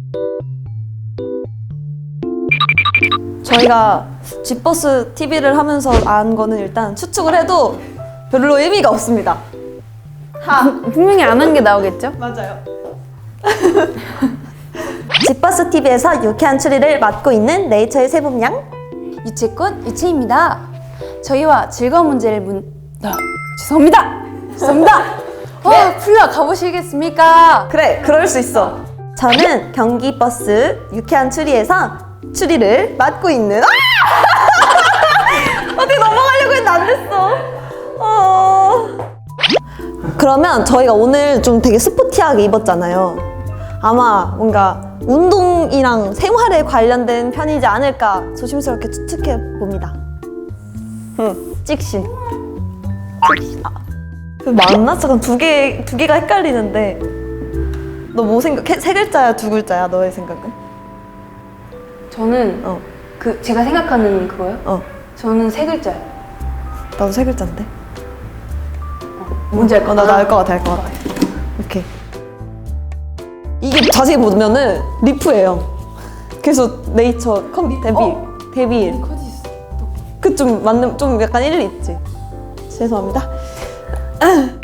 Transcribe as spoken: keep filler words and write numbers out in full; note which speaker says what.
Speaker 1: 저희가 G버스 티비를 하면서 안 거는 일단 추측을 해도 별로 의미가 없습니다. 하.
Speaker 2: 분명히 안 한 게 나오겠죠?
Speaker 1: 맞아요. G버스 티비에서 유쾌한 추리를 맡고 있는 네이처의 세봄양.
Speaker 2: 유채꽃 유채입니다. 저희와 즐거운 문제를 문... 아, 죄송합니다. 죄송합니다. 어, 풀려 가보시겠습니까?
Speaker 1: 그래, 그럴 수 있어. 저는 경기버스 유쾌한 추리에서 추리를 맡고 있는. 아! 어떻게 넘어가려고 했는데 안 됐어. 어... 그러면 저희가 오늘 좀 되게 스포티하게 입었잖아요. 아마 뭔가 운동이랑 생활에 관련된 편이지 않을까 조심스럽게 추측해 봅니다. 응, 찍신. 찍신. 아, 맞나? 잠깐 두 개, 두 개가 헷갈리는데. 너 뭐 생각해? 세 글자야, 두 글자야? 너의 생각은?
Speaker 2: 저는
Speaker 1: 어,
Speaker 2: 그 제가 생각하는 그거요?
Speaker 1: 어.
Speaker 2: 저는 세 글자요.
Speaker 1: 나도 세 글자인데.
Speaker 2: 뭔지 알 것
Speaker 1: 어, 나도 알 것 같아, 알 것 같아. 오케이. 이게 자세히 보면은 리프예요. 그래서 네이처 컴 데뷔
Speaker 2: 어?
Speaker 1: 데뷔일.
Speaker 2: 커지 있어.
Speaker 1: 그 좀 맞는 좀 약간 일리 있지. 죄송합니다.